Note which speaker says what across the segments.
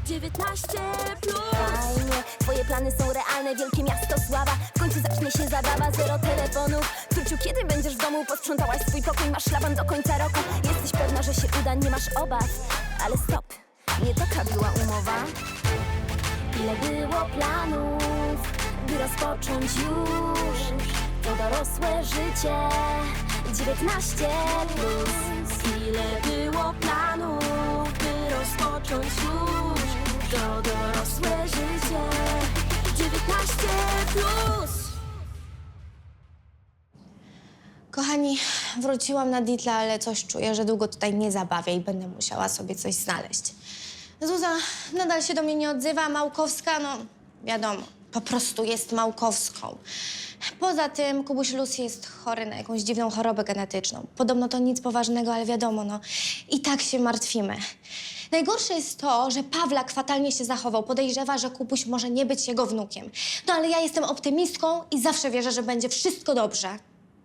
Speaker 1: 19 plus. Fajnie, twoje plany są realne, wielkie miasto sława. W końcu zacznie się zabawa, zero telefonów. Czuciu, kiedy będziesz w domu? Posprzątałaś swój pokój, masz szlaban do końca roku. Jesteś pewna, że się uda, nie masz obaw. Ale stop, nie taka była umowa. Ile było planów, by rozpocząć już to dorosłe życie. 19 plus. Ile było planów, by rozpocząć już to dorosłe życie. 19 plus.
Speaker 2: Kochani, wróciłam na Ditla, ale coś czuję, że długo tutaj nie zabawię i będę musiała sobie coś znaleźć. Zuza nadal się do mnie nie odzywa, Małkowska, no wiadomo, po prostu jest Małkowską. Poza tym Kubuś Lucy jest chory na jakąś dziwną chorobę genetyczną. Podobno to nic poważnego, ale wiadomo, no i tak się martwimy. Najgorsze jest to, że Pawlak fatalnie się zachował. Podejrzewa, że Kubuś może nie być jego wnukiem. No ale ja jestem optymistką i zawsze wierzę, że będzie wszystko dobrze.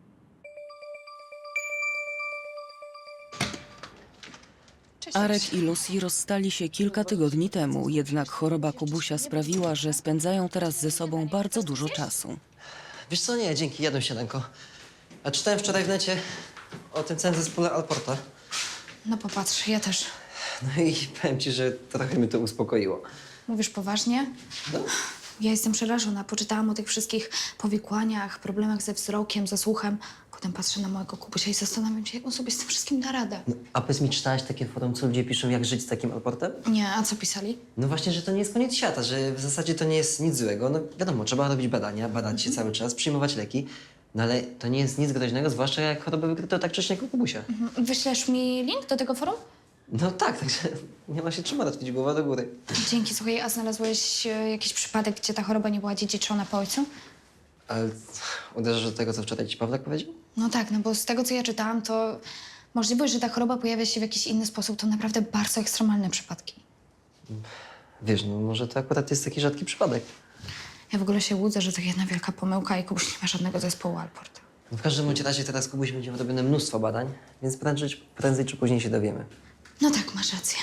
Speaker 3: Arek i Lucy rozstali się kilka tygodni temu, jednak choroba Kubusia sprawiła, że spędzają teraz ze sobą bardzo dużo czasu.
Speaker 4: Wiesz co, nie, dzięki, jadłem śniadanko. A czytałem wczoraj w necie o tym całym zespole Alporta.
Speaker 5: No popatrz, ja też.
Speaker 4: No i powiem ci, że trochę mnie to uspokoiło.
Speaker 5: Mówisz poważnie?
Speaker 4: No.
Speaker 5: Ja jestem przerażona. Poczytałam o tych wszystkich powikłaniach, problemach ze wzrokiem, ze słuchem. Potem patrzę na mojego Kubusia i zastanawiam się, jak on sobie z tym wszystkim da radę.
Speaker 4: No, a powiedz mi, czytałaś takie forum, co ludzie piszą, jak żyć z takim Alportem?
Speaker 5: Nie, a co pisali?
Speaker 4: No właśnie, że to nie jest koniec świata, że w zasadzie to nie jest nic złego. No wiadomo, trzeba robić badania, badać się cały czas, przyjmować leki. No ale to nie jest nic groźnego, zwłaszcza jak chorobę wykryto tak wcześnie jak u Kubusia.
Speaker 5: Wyślesz mi link do tego forum?
Speaker 4: No tak, także nie ma się czym martwić, głowa do góry.
Speaker 5: Dzięki. Słuchaj, a znalazłeś jakiś przypadek, gdzie ta choroba nie była dziedziczona po ojcu?
Speaker 4: Ale uderzasz do tego, co wczoraj ci Pawlak powiedział?
Speaker 5: No tak, no bo z tego, co ja czytałam, to możliwość, że ta choroba pojawia się w jakiś inny sposób, to naprawdę bardzo ekstremalne przypadki.
Speaker 4: Wiesz, no może to akurat jest taki rzadki przypadek.
Speaker 5: Ja w ogóle się łudzę, że to jedna wielka pomyłka i Kubuś nie ma żadnego zespołu Alport.
Speaker 4: No w każdym bądź razie teraz Kubuś będzie robione mnóstwo badań, więc prędzej czy później się dowiemy.
Speaker 5: No tak, masz rację.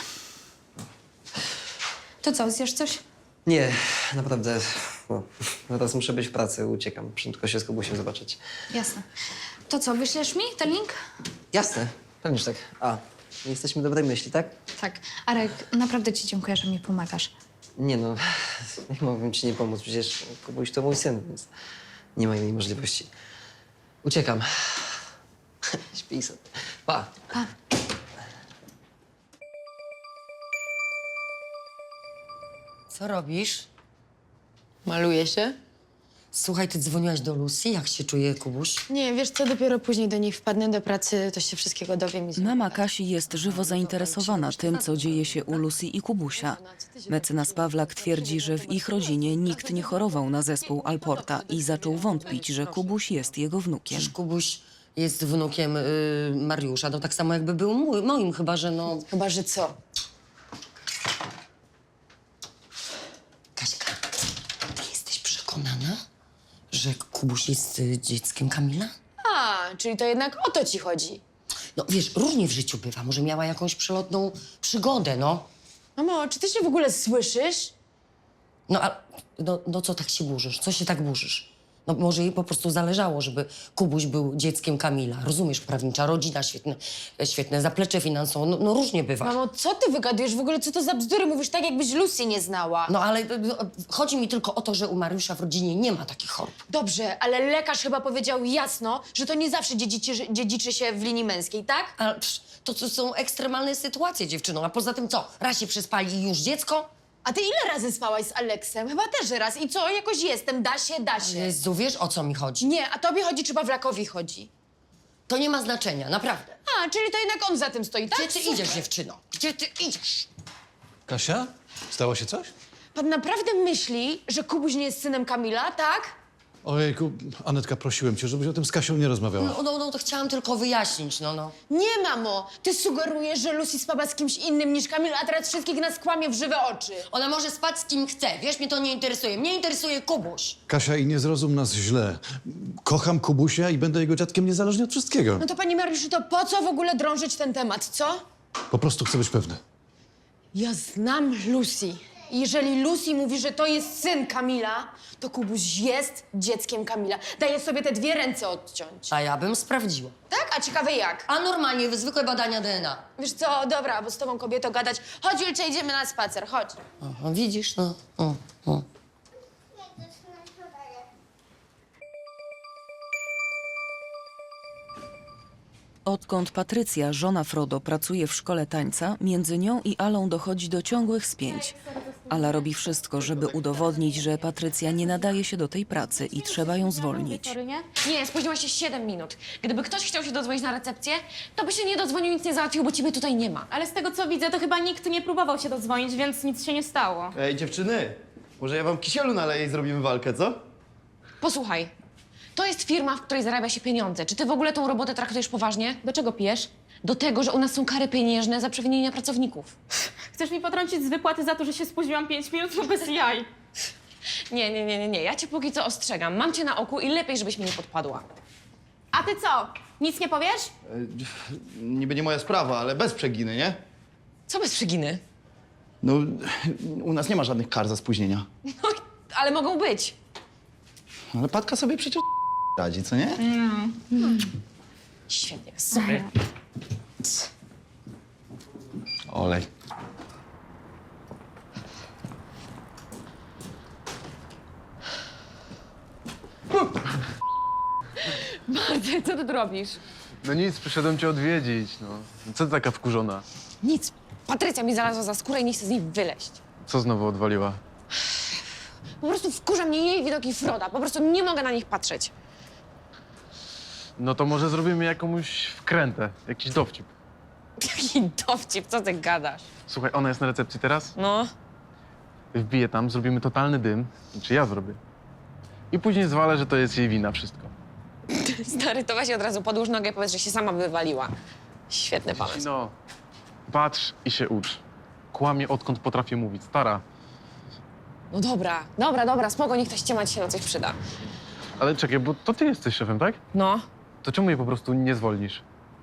Speaker 5: To co, zjesz coś?
Speaker 4: Nie, naprawdę, no, teraz muszę być w pracy, uciekam. Prędko się z Kubusiem zobaczyć.
Speaker 5: Jasne. To co, wyślesz mi ten link?
Speaker 4: Jasne, pewnie, że tak. A, jesteśmy dobrej myśli, tak?
Speaker 5: Tak. Arek, naprawdę ci dziękuję, że mi pomagasz.
Speaker 4: Nie no, jak mogłem ci nie pomóc? Przecież Kubuś to mój syn, więc nie ma innej możliwości. Uciekam. Śpij sobie. Pa.
Speaker 5: Pa.
Speaker 6: Co robisz?
Speaker 7: Maluję się?
Speaker 6: Słuchaj, ty dzwoniłaś do Lucy? Jak się czuje Kubuś?
Speaker 7: Nie, wiesz co, dopiero później do niej wpadnę do pracy, to się wszystkiego dowiem i
Speaker 3: Mama Kasi jest żywo zainteresowana tym, co dzieje się u Lucy i Kubusia. Mecenas Pawlak twierdzi, że w ich rodzinie nikt nie chorował na zespół Alporta i zaczął wątpić, że Kubuś jest jego wnukiem.
Speaker 6: Przecież Kubuś jest wnukiem Mariusza, no tak samo jakby był moim, chyba że no...
Speaker 7: Chyba, że co?
Speaker 6: Kaśka, ty jesteś przekonana, że Kubuś jest dzieckiem Kamila?
Speaker 7: A, czyli to jednak o to ci chodzi.
Speaker 6: No wiesz, różnie w życiu bywa. Może miała jakąś przelotną przygodę, no.
Speaker 7: Mamo, czy ty się w ogóle słyszysz?
Speaker 6: No a no co tak się burzysz? Co się tak burzysz? No może jej po prostu zależało, żeby Kubuś był dzieckiem Kamila. Rozumiesz, prawnicza rodzina, świetne zaplecze finansowe, no różnie bywa.
Speaker 7: Mamo, co ty wygadujesz w ogóle? Co to za bzdury? Mówisz tak, jakbyś Lucy nie znała.
Speaker 6: No ale chodzi mi tylko o to, że u Mariusza w rodzinie nie ma takich chorób.
Speaker 7: Dobrze, ale lekarz chyba powiedział jasno, że to nie zawsze dziedziczy się w linii męskiej, tak?
Speaker 6: Ale to są ekstremalne sytuacje, dziewczyno. A poza tym co? Raz się przespali i już dziecko?
Speaker 7: A ty ile razy spałaś z Aleksem? Chyba też raz. I co? Jakoś jestem. Da się, da się.
Speaker 6: Jezu, wiesz o co mi chodzi?
Speaker 7: Nie, a tobie chodzi, czy Pawlakowi chodzi?
Speaker 6: To nie ma znaczenia, naprawdę.
Speaker 7: A, czyli to jednak on za tym stoi, tak?
Speaker 6: Gdzie ty idziesz, dziewczyno? Gdzie ty idziesz?
Speaker 8: Kasia? Stało się coś?
Speaker 7: Pan naprawdę myśli, że Kubuś nie jest synem Kamila, tak?
Speaker 8: Ojejku, Anetka, prosiłem cię, żebyś o tym z Kasią nie rozmawiała.
Speaker 6: No to chciałam tylko wyjaśnić, no.
Speaker 7: Nie, mamo. Ty sugerujesz, że Lucy spała z kimś innym niż Kamil, a teraz wszystkich nas kłamie w żywe oczy.
Speaker 6: Ona może spać z kim chce, wiesz, mnie to nie interesuje. Mnie interesuje Kubuś.
Speaker 8: Kasia, i nie zrozum nas źle. Kocham Kubusia i będę jego dziadkiem niezależnie od wszystkiego.
Speaker 7: No to, panie Mariuszu, to po co w ogóle drążyć ten temat, co?
Speaker 8: Po prostu chcę być pewny.
Speaker 7: Ja znam Lucy. I jeżeli Lucy mówi, że to jest syn Kamila, to Kubuś jest dzieckiem Kamila. Daję sobie te 2 ręce odciąć.
Speaker 6: A ja bym sprawdziła.
Speaker 7: Tak? A ciekawe jak?
Speaker 6: A normalnie, zwykłe badania DNA.
Speaker 7: Wiesz co, dobra, bo z tobą kobieto gadać. Chodź, Julcia, idziemy na spacer, chodź.
Speaker 6: Aha, widzisz, no. O.
Speaker 3: Odkąd Patrycja, żona Frodo, pracuje w szkole tańca, między nią i Alą dochodzi do ciągłych spięć. Ala robi wszystko, żeby udowodnić, że Patrycja nie nadaje się do tej pracy i trzeba ją zwolnić.
Speaker 9: Nie, spóźniłaś się 7 minut. Gdyby ktoś chciał się dodzwonić na recepcję, to by się nie dodzwonił, nic nie załatwił, bo ciebie tutaj nie ma.
Speaker 10: Ale z tego co widzę, to chyba nikt nie próbował się dodzwonić, więc nic się nie stało.
Speaker 11: Ej, dziewczyny, może ja wam kisielu naleję i zrobimy walkę, co?
Speaker 9: Posłuchaj, to jest firma, w której zarabia się pieniądze. Czy ty w ogóle tą robotę traktujesz poważnie?
Speaker 10: Do czego pijesz?
Speaker 9: Do tego, że u nas są kary pieniężne za przewinienia pracowników.
Speaker 10: Chcesz mi potrącić z wypłaty za to, że się spóźniłam 5 minut? No bez jaj.
Speaker 9: Nie. Ja cię póki co ostrzegam. Mam cię na oku i lepiej, żebyś mi nie podpadła.
Speaker 10: A ty co? Nic nie powiesz?
Speaker 11: Niby nie moja sprawa, ale bez przeginy, nie?
Speaker 9: Co bez przeginy?
Speaker 11: No, u nas nie ma żadnych kar za spóźnienia.
Speaker 9: No, ale mogą być.
Speaker 11: Ale Patka sobie przecież radzi, co nie?
Speaker 9: Świetnie, sorry.
Speaker 11: Olej.
Speaker 9: Marty, co ty tu robisz?
Speaker 12: No nic, przyszedłem cię odwiedzić, no. Co ty taka wkurzona?
Speaker 9: Nic. Patrycja mi znalazła za skórę i nie chce z niej wyleźć.
Speaker 12: Co znowu odwaliła?
Speaker 9: Po prostu wkurza mnie jej widoki Froda. Po prostu nie mogę na nich patrzeć.
Speaker 12: No to może zrobimy jakąś wkrętę, jakiś dowcip.
Speaker 9: Jaki dowcip, co ty gadasz?
Speaker 12: Słuchaj, ona jest na recepcji teraz,
Speaker 9: No.
Speaker 12: wbiję tam, zrobimy totalny dym, znaczy ja zrobię. I później zwalę, że to jest jej wina wszystko.
Speaker 9: Stary, to weź od razu podłóż nogę i powiedz, że się sama wywaliła. Świetny pomysł.
Speaker 12: No, patrz i się ucz. Kłamie, odkąd potrafię mówić. Stara,
Speaker 9: No dobra, spoko, niech ktoś ciemać się na coś przyda.
Speaker 12: ale czekaj, bo to ty jesteś szefem, tak?
Speaker 9: No.
Speaker 12: To czemu jej po prostu nie zwolnisz?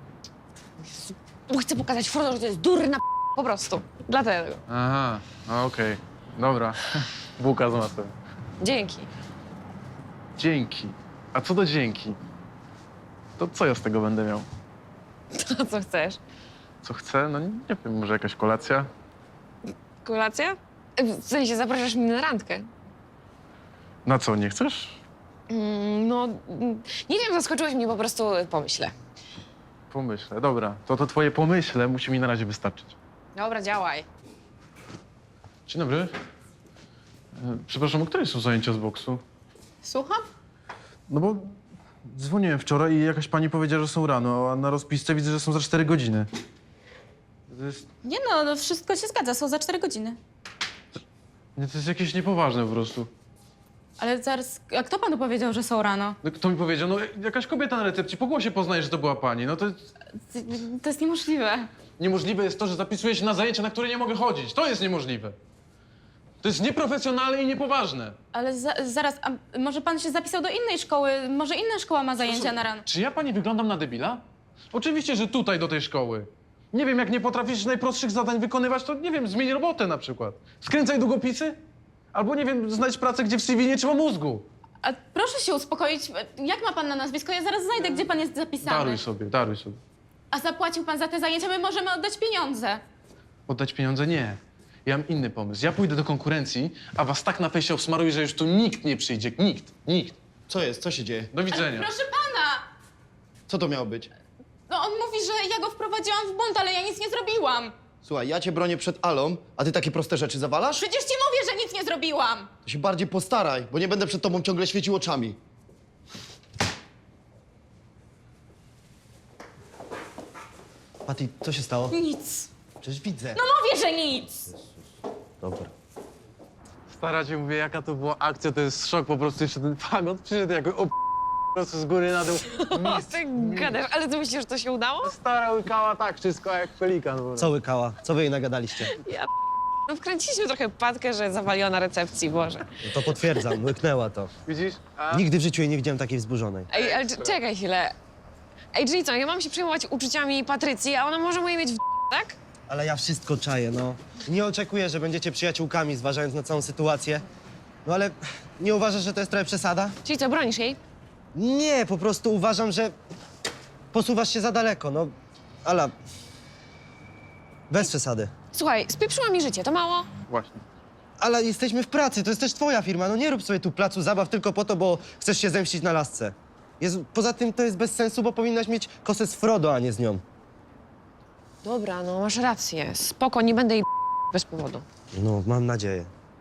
Speaker 9: Bo chcę pokazać Frodo, że to jest durna po prostu. Dlatego.
Speaker 12: Aha, okej, dobra. Bułka z masłem.
Speaker 9: Dzięki.
Speaker 12: Dzięki. A co do dzięki? To co ja z tego będę miał?
Speaker 9: To co chcesz?
Speaker 12: Co chcę? No nie wiem, może jakaś kolacja?
Speaker 9: Kolacja? W sensie zapraszasz mnie na randkę.
Speaker 12: Na co, nie chcesz?
Speaker 9: Nie wiem, zaskoczyłeś mnie, po prostu pomyślę.
Speaker 12: Pomyślę, dobra. To twoje pomyśle musi mi na razie wystarczyć.
Speaker 9: Dobra, działaj.
Speaker 12: Dzień dobry. Przepraszam, o której są zajęcia z boksu?
Speaker 10: Słucham?
Speaker 12: No bo dzwoniłem wczoraj i jakaś pani powiedziała, że są rano, a na rozpisce widzę, że są za 4 godziny. To jest,
Speaker 10: Nie no, wszystko się zgadza, są za 4 godziny.
Speaker 12: nie, to jest jakieś niepoważne po prostu.
Speaker 10: Ale zaraz, a kto panu powiedział, że są rano?
Speaker 12: No, kto mi powiedział? No jakaś kobieta na recepcji, po głosie poznaje, że to była pani. No to
Speaker 10: To jest niemożliwe.
Speaker 12: niemożliwe jest to, że zapisuję się na zajęcia, na które nie mogę chodzić. To jest niemożliwe. To jest nieprofesjonalne i niepoważne.
Speaker 10: Ale zaraz, a może pan się zapisał do innej szkoły? Może inna szkoła ma zajęcia na rano?
Speaker 12: Czy ja pani wyglądam na debila? Oczywiście, że tutaj do tej szkoły. Nie wiem, jak nie potrafisz najprostszych zadań wykonywać, to nie wiem, zmień robotę na przykład. Skręcaj długopisy? Albo nie wiem, znajdź pracę, gdzie w CV nie trzeba mózgu.
Speaker 10: A proszę się uspokoić. Jak ma pan na nazwisko? Ja zaraz znajdę, gdzie pan jest zapisany.
Speaker 12: Daruj sobie.
Speaker 10: A zapłacił pan za te zajęcia? My możemy oddać pieniądze.
Speaker 12: Oddać pieniądze? Nie. Ja mam inny pomysł. Ja pójdę do konkurencji, a was tak na fejsie obsmaruję, że już tu nikt nie przyjdzie. Nikt.
Speaker 11: Co jest? Co się dzieje?
Speaker 12: Do widzenia.
Speaker 10: Proszę pana!
Speaker 11: Co to miało być?
Speaker 10: No on mówi, że ja go wprowadziłam w błąd, ale ja nic nie zrobiłam.
Speaker 11: Słuchaj, ja cię bronię przed Alą, a ty takie proste rzeczy zawalasz?
Speaker 10: Przecież ci mówię, że nic nie zrobiłam.
Speaker 11: To się bardziej postaraj, bo nie będę przed tobą ciągle świecił oczami. Patty, co się stało?
Speaker 10: Nic.
Speaker 11: Przecież widzę.
Speaker 10: No mówię, że nic.
Speaker 11: Dobra.
Speaker 12: Stara ci mówię, jaka to była akcja, to jest szok po prostu. Jeszcze ten fagot przyszedł jako po prostu z góry na dół.
Speaker 9: O, ty gadasz, ale ty myślisz, że to się udało?
Speaker 12: Stara łykała tak wszystko jak pelikan.
Speaker 13: Co łykała? Co wy jej nagadaliście?
Speaker 9: No wkręciliśmy trochę Patkę, że zawaliła na recepcji, Boże.
Speaker 13: No to potwierdzam, łyknęła to.
Speaker 12: Widzisz? A?
Speaker 13: Nigdy w życiu jej nie widziałem takiej wzburzonej.
Speaker 9: Ej, ale czekaj chwilę. Ej, czyli co, ja mam się przejmować uczuciami Patrycji, a ona może moje mieć w tak?
Speaker 13: Ale ja wszystko czaję, no. Nie oczekuję, że będziecie przyjaciółkami, zważając na całą sytuację. No ale nie uważasz, że to jest trochę przesada?
Speaker 9: Czyli co, bronisz jej?
Speaker 13: Nie, po prostu uważam, że posuwasz się za daleko, no. Ala, bez przesady.
Speaker 9: Słuchaj, spieprzyła mi życie, to mało?
Speaker 12: Właśnie.
Speaker 13: Ale jesteśmy w pracy, to jest też twoja firma. No nie rób sobie tu placu zabaw tylko po to, bo chcesz się zemścić na lasce. Poza tym to jest bez sensu, bo powinnaś mieć kosę z Frodo, a nie z nią.
Speaker 9: Dobra, no masz rację. Spoko, nie będę jej bez powodu.
Speaker 13: No, mam nadzieję.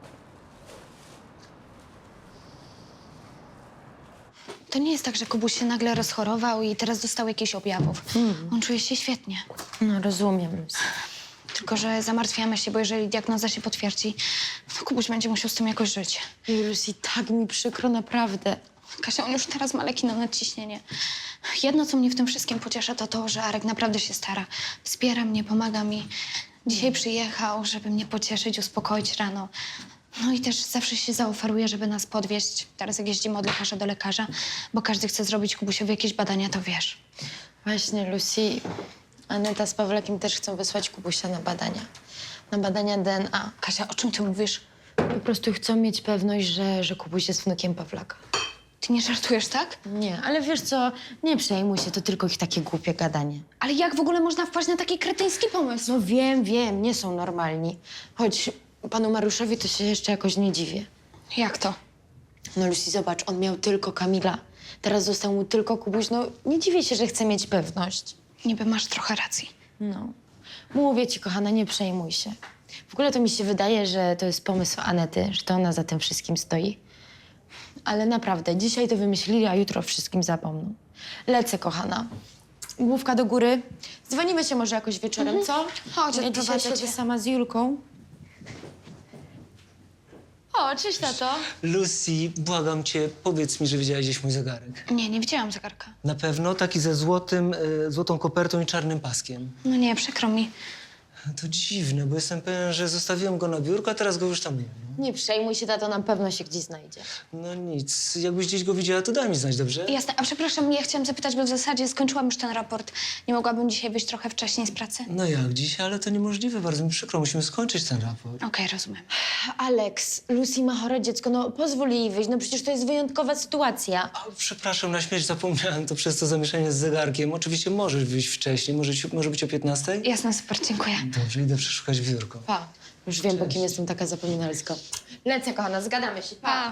Speaker 5: To nie jest tak, że Kubuś się nagle rozchorował i teraz dostał jakichś objawów. On czuje się świetnie.
Speaker 6: No rozumiem, Lucy.
Speaker 5: Tylko że zamartwiamy się, bo jeżeli diagnoza się potwierdzi, to Kubuś będzie musiał z tym jakoś żyć.
Speaker 6: Lucy, tak mi przykro, naprawdę.
Speaker 5: Kasia, on już teraz ma leki na nadciśnienie. Jedno, co mnie w tym wszystkim pociesza, to to, że Arek naprawdę się stara. Wspiera mnie, pomaga mi. Dzisiaj przyjechał, żeby mnie pocieszyć, uspokoić rano. No i też zawsze się zaoferuje, żeby nas podwieźć. Teraz jak jeździmy od lekarza do lekarza, bo każdy chce zrobić Kubusiowi jakieś badania, to wiesz.
Speaker 6: Właśnie, Lucy, Aneta z Pawlakiem też chcą wysłać Kubusia na badania. Na badania DNA.
Speaker 5: Kasia, o czym ty mówisz?
Speaker 6: Po prostu chcą mieć pewność, że Kubuś jest wnukiem Pawlaka.
Speaker 5: Ty nie żartujesz, tak?
Speaker 6: Nie, ale wiesz co, nie przejmuj się, to tylko ich takie głupie gadanie.
Speaker 5: Ale jak w ogóle można wpaść na taki kretyński pomysł?
Speaker 6: No wiem, nie są normalni. Choć panu Mariuszowi to się jeszcze jakoś nie dziwię.
Speaker 5: Jak to?
Speaker 6: No Lucy, zobacz, on miał tylko Kamila. Teraz został mu tylko Kubuś. No nie dziwię się, że chce mieć pewność.
Speaker 5: Niby masz trochę racji.
Speaker 6: No. Mówię ci, kochana, nie przejmuj się. W ogóle to mi się wydaje, że to jest pomysł Anety, że to ona za tym wszystkim stoi. Ale naprawdę, dzisiaj to wymyślili, a jutro o wszystkim zapomną. Lecę, kochana. Główka do góry. Dzwonimy się może jakoś wieczorem, co?
Speaker 5: Chodź,
Speaker 6: Ja dzisiaj
Speaker 5: odprowadzę
Speaker 6: siedzę
Speaker 5: cię.
Speaker 6: sama z Julką. O, cześć, tato.
Speaker 14: Lucy, błagam cię, powiedz mi, że widziałaś gdzieś mój zegarek.
Speaker 5: Nie widziałam zegarka.
Speaker 14: Na pewno taki ze złotą kopertą i czarnym paskiem.
Speaker 5: No nie, przykro mi.
Speaker 14: To dziwne, bo jestem pewien, że zostawiłem go na biurku, a teraz go już tam nie ma.
Speaker 6: Nie przejmuj się, tato, na pewno się gdzieś znajdzie.
Speaker 14: No nic, jakbyś gdzieś go widziała, to daj mi znać, dobrze?
Speaker 5: Jasne, a przepraszam, ja chciałam zapytać, bo w zasadzie skończyłam już ten raport. Nie mogłabym dzisiaj wyjść trochę wcześniej z pracy?
Speaker 14: No jak dzisiaj, ale to niemożliwe, bardzo mi przykro, musimy skończyć ten raport.
Speaker 5: Okej, rozumiem.
Speaker 6: Alex, Lucy ma chore dziecko, no pozwól jej wyjść, no przecież to jest wyjątkowa sytuacja.
Speaker 14: A, przepraszam, na śmierć zapomniałem, to przez to zamieszanie z zegarkiem. Oczywiście możesz wyjść wcześniej, może być o 15:00?
Speaker 5: Jasne, super, dziękuję.
Speaker 14: Dobrze, idę przeszukać biurko.
Speaker 6: Pa. Już wiem, po kim jestem taka zapominalska. Lecę, kochana, zgadamy się. Pa.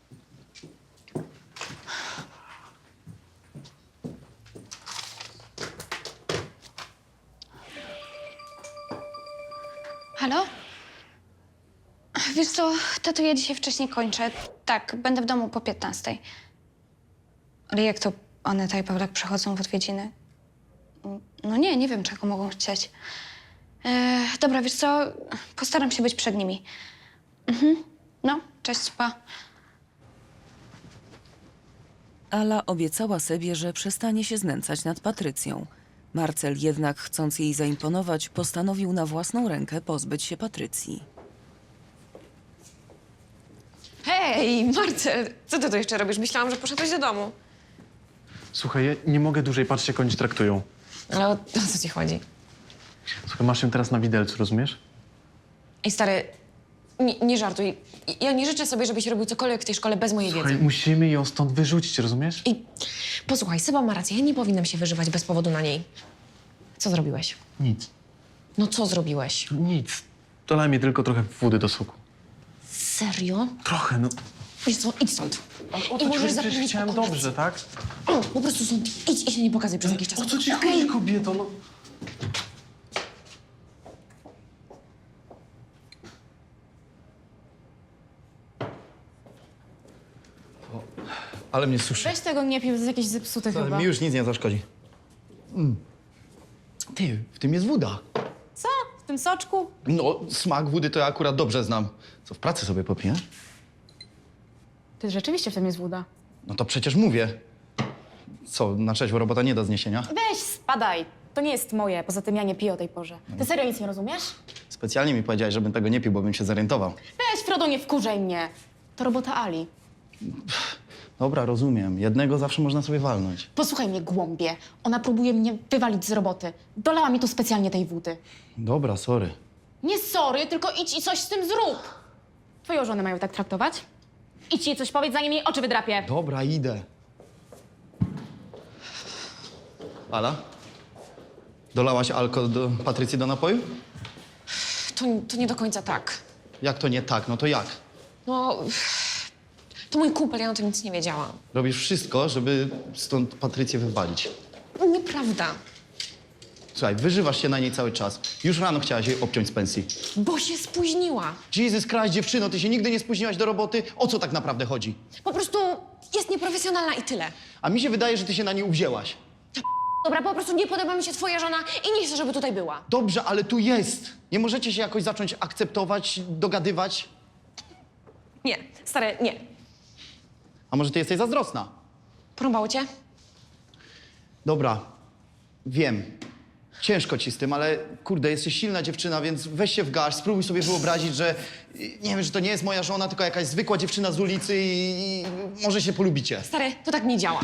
Speaker 5: Halo? Wiesz co, tato, ja dzisiaj wcześniej kończę. Tak, będę w domu po 15:00. Ale jak to Aneta i Pawlak przychodzą w odwiedziny? No nie wiem, czego mogą chcieć. Dobra, wiesz co, postaram się być przed nimi. No, cześć, pa.
Speaker 3: Ala obiecała sobie, że przestanie się znęcać nad Patrycją. Marcel jednak, chcąc jej zaimponować, postanowił na własną rękę pozbyć się Patrycji.
Speaker 9: Hej, Marcel, co ty tu jeszcze robisz? Myślałam, że poszedłeś do domu.
Speaker 12: Słuchaj, ja nie mogę dłużej patrzeć, jak oni cię traktują.
Speaker 9: Ale o co ci chodzi?
Speaker 12: Słuchaj, masz ją teraz na widelcu, rozumiesz?
Speaker 9: Ej, stary, nie żartuj. Ja nie życzę sobie, żebyś robił cokolwiek w tej szkole bez mojej
Speaker 12: Słuchaj,
Speaker 9: wiedzy.
Speaker 12: musimy ją stąd wyrzucić, rozumiesz?
Speaker 9: I posłuchaj, Seba ma rację, ja nie powinnam się wyżywać bez powodu na niej. Co zrobiłeś?
Speaker 12: Nic.
Speaker 9: No co zrobiłeś?
Speaker 12: Nic. Dolaj mi tylko trochę wody do soku.
Speaker 9: Serio?
Speaker 12: Trochę, no.
Speaker 9: Wiesz co, idź stąd.
Speaker 12: Ale o
Speaker 9: I
Speaker 12: co ci
Speaker 9: możesz
Speaker 12: chodzi? Przecież
Speaker 9: zapomnieć
Speaker 12: chciałem
Speaker 9: o kolacji.
Speaker 12: dobrze, tak?
Speaker 9: O, po prostu stąd idź i się nie pokazuj przez jakiś czas.
Speaker 12: O co ci
Speaker 9: Okej?
Speaker 12: chodzi, kobieto? No.
Speaker 11: Ale mnie suszy.
Speaker 10: Weź tego nie pił, to jest jakieś zepsute chyba.
Speaker 11: Mi już nic nie zaszkodzi. Ty, w tym jest woda.
Speaker 10: Co? W tym soczku?
Speaker 11: No, smak wody to ja akurat dobrze znam. Co, w pracy sobie popiję?
Speaker 10: Ty rzeczywiście w tym jest woda.
Speaker 11: No to przecież mówię. Co, na trzeźwo robota nie do zniesienia?
Speaker 10: Weź, spadaj. To nie jest moje, poza tym ja nie piję o tej porze. Ty serio nic nie rozumiesz?
Speaker 11: Specjalnie mi powiedziałeś, żebym tego nie pił, bo bym się zorientował.
Speaker 10: Weź, Frodo, nie wkurzaj mnie. To robota Ali.
Speaker 11: Dobra, rozumiem. Jednego zawsze można sobie walnąć.
Speaker 10: Posłuchaj mnie, głąbie. Ona próbuje mnie wywalić z roboty. Dolała mi tu specjalnie tej wody.
Speaker 11: Dobra, sorry.
Speaker 10: Nie sorry, tylko idź i coś z tym zrób. Twoją żonę mają tak traktować? Idź jej coś powiedz, zanim jej oczy wydrapię.
Speaker 11: Dobra, idę. Ala? Dolałaś alko do Patrycji do napoju?
Speaker 9: To nie do końca tak.
Speaker 11: Jak to nie tak? No to jak?
Speaker 9: No, to mój kumpel, ja o tym nic nie wiedziałam.
Speaker 11: Robisz wszystko, żeby stąd Patrycję wywalić.
Speaker 9: Nieprawda,
Speaker 11: Słuchaj, wyżywasz się na niej cały czas. Już rano chciałaś jej obciąć z pensji.
Speaker 9: bo się spóźniła.
Speaker 11: Jesus Christ, dziewczyno, ty się nigdy nie spóźniłaś do roboty. O co tak naprawdę chodzi?
Speaker 9: Po prostu jest nieprofesjonalna i tyle.
Speaker 11: A mi się wydaje, że ty się na niej uwzięłaś.
Speaker 9: Dobra, po prostu nie podoba mi się twoja żona i nie chcę, żeby tutaj była.
Speaker 11: Dobrze, ale tu jest. Nie możecie się jakoś zacząć akceptować, dogadywać?
Speaker 9: Nie, stary, nie.
Speaker 11: A może ty jesteś zazdrosna?
Speaker 9: Porąbało cię?
Speaker 11: Dobra, wiem. Ciężko ci z tym, ale kurde, jesteś silna dziewczyna, więc weź się w garść, spróbuj sobie wyobrazić, że nie wiem, że to nie jest moja żona, tylko jakaś zwykła dziewczyna z ulicy i może się polubicie.
Speaker 9: Stary, to tak nie działa.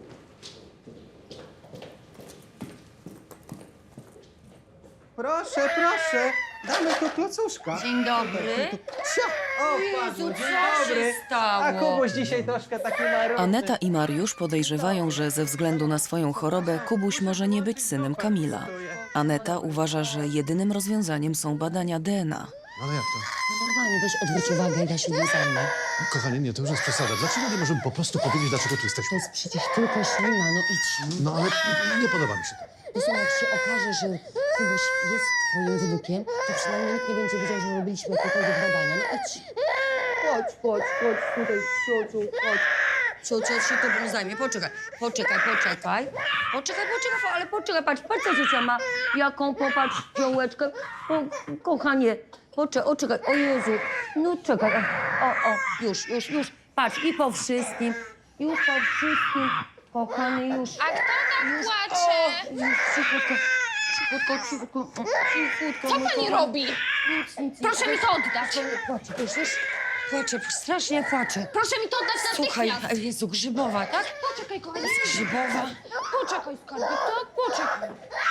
Speaker 13: Proszę, proszę, damy tu klocuszka.
Speaker 6: Dzień dobry.
Speaker 13: O, padło, dzień dobry.
Speaker 6: stało?
Speaker 13: A Kubuś dzisiaj troszkę taki marudny.
Speaker 3: Aneta i Mariusz podejrzewają, że ze względu na swoją chorobę Kubuś może nie być synem Kamila. Aneta uważa, że jedynym rozwiązaniem są badania DNA.
Speaker 8: Ale jak to?
Speaker 6: Normalnie, weź odwróć uwagę i ja się nie zajmę.
Speaker 8: Kochanie, nie, to już jest przesada. Dlaczego nie możemy po prostu powiedzieć, dlaczego tu
Speaker 6: To
Speaker 8: jesteśmy?
Speaker 6: jest przecież tylko ślina, no idź.
Speaker 8: No ale nie podoba mi się to.
Speaker 6: Zresztą jak się okaże, że Kubuś jest twoim wnukiem, to przynajmniej nikt nie będzie wiedział, że robiliśmy jakiekolwiek badania. No idź. Chodź tutaj, ciociu, chodź. Ciocia się tobą zajmie. Poczekaj, ale poczekaj, patrz co ciocia ma. Jaką, popatrz, piołeczkę. O, kochanie, poczekaj, o Jezu. No czekaj, już. Patrz, i po wszystkim, kochany, już.
Speaker 5: A kto tam płacze?
Speaker 6: Cichutko.
Speaker 5: Co pani robi? Proszę mi to oddać.
Speaker 6: Płacze, strasznie płacze.
Speaker 5: Proszę mi to oddać
Speaker 6: Słuchaj,
Speaker 5: natychmiast.
Speaker 6: Jezu, grzybowa, tak?
Speaker 5: Poczekaj, kochanie.
Speaker 6: Grzybowa.
Speaker 5: Poczekaj, skarbie, tak? Poczekaj.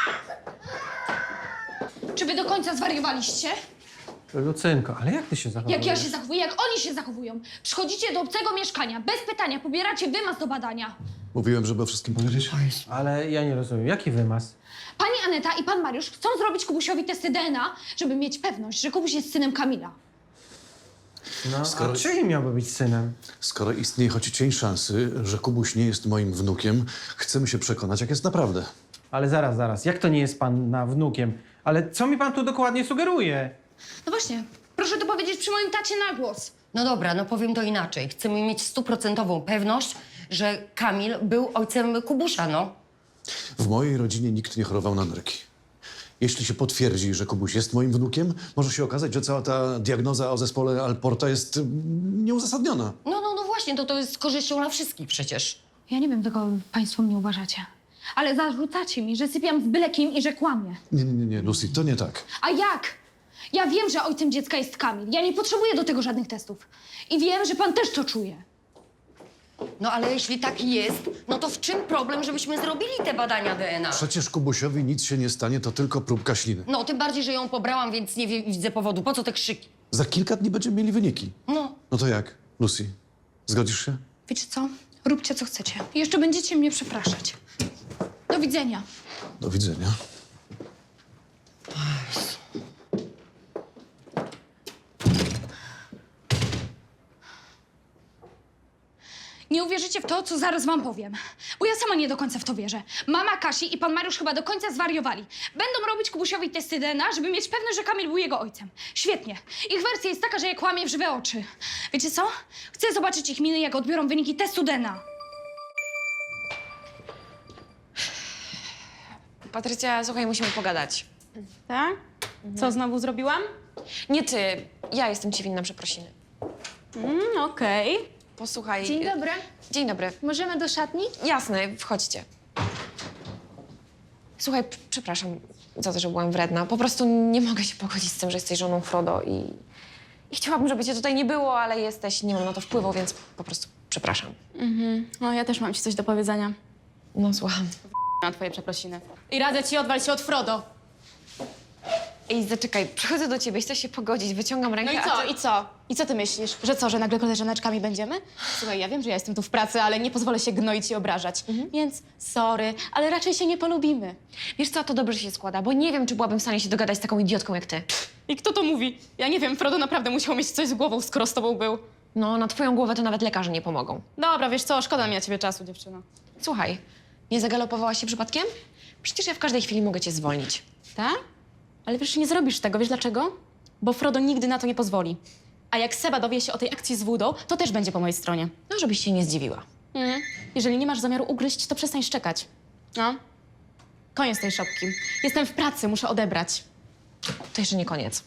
Speaker 5: Czy wy do końca zwariowaliście?
Speaker 13: Lucynko, ale jak ty się zachowujesz?
Speaker 5: Jak ja się zachowuję, jak oni się zachowują? Przychodzicie do obcego mieszkania, bez pytania, pobieracie wymaz do badania.
Speaker 8: Mówiłem, żeby o wszystkim powiedzieć.
Speaker 13: Ale ja nie rozumiem, jaki wymaz?
Speaker 5: Pani Aneta i pan Mariusz chcą zrobić Kubusiowi testy DNA, żeby mieć pewność, że Kubuś jest synem Kamila.
Speaker 13: No,
Speaker 8: Skoro-
Speaker 13: a czyim miałby być synem?
Speaker 8: Skoro istnieje choć cień szansy, że Kubuś nie jest moim wnukiem, chcemy się przekonać, jak jest naprawdę.
Speaker 13: Ale zaraz, jak to nie jest pan wnukiem? Ale co mi pan tu dokładnie sugeruje?
Speaker 5: No właśnie, proszę to powiedzieć przy moim tacie na głos.
Speaker 6: No dobra, no powiem to inaczej. Chcemy mieć 100% pewność, że Kamil był ojcem Kubusia, no.
Speaker 8: W mojej rodzinie nikt nie chorował na nerki. Jeśli się potwierdzi, że Kubuś jest moim wnukiem, może się okazać, że cała ta diagnoza o zespole Alporta jest nieuzasadniona.
Speaker 6: No właśnie, to jest z korzyścią dla wszystkich przecież.
Speaker 5: Ja nie wiem, tego państwo mnie uważacie. Ale zarzucacie mi, że sypiam z byle kim i że kłamię.
Speaker 8: Nie, Lucy, to nie tak.
Speaker 5: A jak? Ja wiem, że ojcem dziecka jest Kamil. Ja nie potrzebuję do tego żadnych testów. I wiem, że pan też to czuje.
Speaker 6: No ale jeśli tak jest, no to w czym problem, żebyśmy zrobili te badania DNA?
Speaker 8: Przecież Kubusiowi nic się nie stanie, to tylko próbka śliny.
Speaker 6: No, tym bardziej, że ją pobrałam, więc nie widzę powodu. Po co te krzyki?
Speaker 8: Za kilka dni będziemy mieli wyniki.
Speaker 6: No.
Speaker 8: No to jak, Lucy? Zgodzisz się?
Speaker 5: Wiecie co? Róbcie, co chcecie. I jeszcze będziecie mnie przepraszać. Do widzenia.
Speaker 8: Do widzenia.
Speaker 5: Nie uwierzycie w to, co zaraz wam powiem. Bo ja sama nie do końca w to wierzę. Mama Kasi i pan Mariusz chyba do końca zwariowali. Będą robić Kubusiowi testy DNA, żeby mieć pewność, że Kamil był jego ojcem. Świetnie. Ich wersja jest taka, że je kłamie w żywe oczy. Wiecie co? Chcę zobaczyć ich miny, jak odbiorą wyniki testu DNA.
Speaker 9: Patrycja, słuchaj, musimy pogadać.
Speaker 10: Tak? Co znowu zrobiłam?
Speaker 9: Nie ty, ja jestem ci winna przeprosiny.
Speaker 10: Okej.
Speaker 9: Posłuchaj.
Speaker 1: Dzień dobry.
Speaker 9: Dzień dobry.
Speaker 1: Możemy do szatni?
Speaker 9: Jasne, wchodźcie. Słuchaj, przepraszam za to, że byłam wredna. Po prostu nie mogę się pogodzić z tym, że jesteś żoną Frodo i chciałabym, żeby cię tutaj nie było, ale jesteś, nie mam na to wpływu, więc po prostu Przepraszam.
Speaker 10: No, ja też mam ci coś do powiedzenia.
Speaker 9: No, słucham.
Speaker 10: Na twoje przeprosiny. I radzę ci, odwal się od Frodo.
Speaker 9: Ej, zaczekaj, przychodzę do ciebie, chcę się pogodzić, wyciągam rękę,
Speaker 10: No i
Speaker 9: a
Speaker 10: co,
Speaker 9: ty...
Speaker 10: i co? I co ty myślisz? Że co, że nagle koleżaneczkami będziemy? Słuchaj, ja wiem, że ja jestem tu w pracy, ale nie pozwolę się gnoić i obrażać. Więc sorry, ale raczej się nie polubimy.
Speaker 9: Wiesz co, to dobrze się składa, bo nie wiem, czy byłabym w stanie się dogadać z taką idiotką jak ty.
Speaker 10: I kto to mówi? Ja nie wiem, Frodo naprawdę musiał mieć coś z głową, skoro z tobą był.
Speaker 9: No, na twoją głowę to nawet lekarze nie pomogą.
Speaker 10: Dobra, wiesz co, szkoda mi na ciebie czasu, dziewczyno.
Speaker 9: Słuchaj, nie zagalopowałaś się przypadkiem? Przecież ja w każdej chwili mogę cię zwolnić.
Speaker 10: Tak? Ale wiesz, nie zrobisz tego, wiesz dlaczego? Bo Frodo nigdy na to nie pozwoli. A jak Seba dowie się o tej akcji z Woodą, to też będzie po mojej stronie.
Speaker 9: No, żebyś się nie zdziwiła.
Speaker 10: Jeżeli nie masz zamiaru ugryźć, to przestań szczekać. No. Koniec tej szopki. Jestem w pracy, muszę odebrać.
Speaker 9: To jeszcze nie koniec.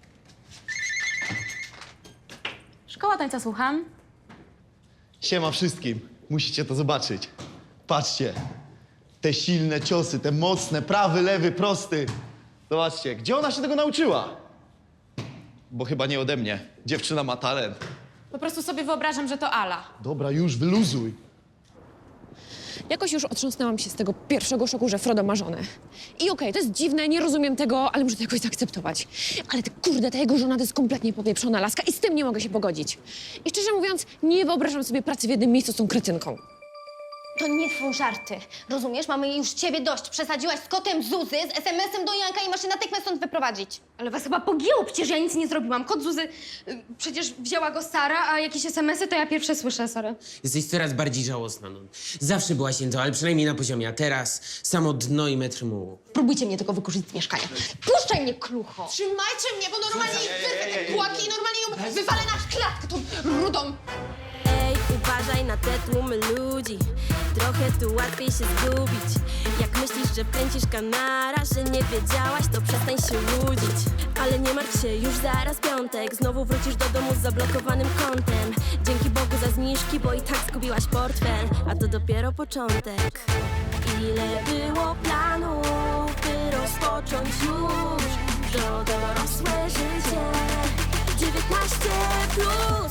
Speaker 10: Szkoła tańca, słucham.
Speaker 11: Siema wszystkim. Musicie to zobaczyć. Patrzcie. Te silne ciosy, te mocne, prawy, lewy, prosty. Zobaczcie, gdzie ona się tego nauczyła? Bo chyba nie ode mnie. Dziewczyna ma talent.
Speaker 10: Po prostu sobie wyobrażam, że to Ala.
Speaker 11: Dobra, już wyluzuj.
Speaker 9: Jakoś już otrząsnęłam się z tego pierwszego szoku, że Frodo ma żonę. I okej, to jest dziwne, nie rozumiem tego, ale muszę to jakoś zaakceptować. Ale kurde, ta jego żona to jest kompletnie popieprzona laska i z tym nie mogę się pogodzić. I szczerze mówiąc, nie wyobrażam sobie pracy w jednym miejscu z tą kretynką.
Speaker 2: To nie są żarty. Rozumiesz? Mamy już ciebie dość. Przesadziłaś z kotem Zuzy, z SMS-em do Janka i masz się natychmiast stąd wyprowadzić.
Speaker 7: Ale was chyba pogięło, przecież ja nic nie zrobiłam. Kot Zuzy, przecież wzięła go Sara, a jakieś SMS-y to ja pierwsze słyszę, sorry.
Speaker 15: Jesteś coraz bardziej żałosna, no. Zawsze byłaś to, ale przynajmniej na poziomie, a teraz samo dno i metr mułu.
Speaker 7: Próbujcie mnie tylko wykurzyć z mieszkania. Puszczaj mnie, klucho!
Speaker 10: Trzymajcie mnie, bo normalnie wyrwę te kłaki i normalnie ją wywalę na klatkę tą rudą.
Speaker 1: Ej, uważaj na te tłumy ludzi. Trochę tu łatwiej się zgubić. Jak myślisz, że pędzisz kanara, że nie wiedziałaś, to przestań się łudzić. Ale nie martw się, już zaraz piątek. Znowu wrócisz do domu z zablokowanym kontem. Dzięki Bogu za zniżki, bo i tak zgubiłaś portfel. A to dopiero początek. Ile było planów, by rozpocząć już to dorosłe życie. 19+.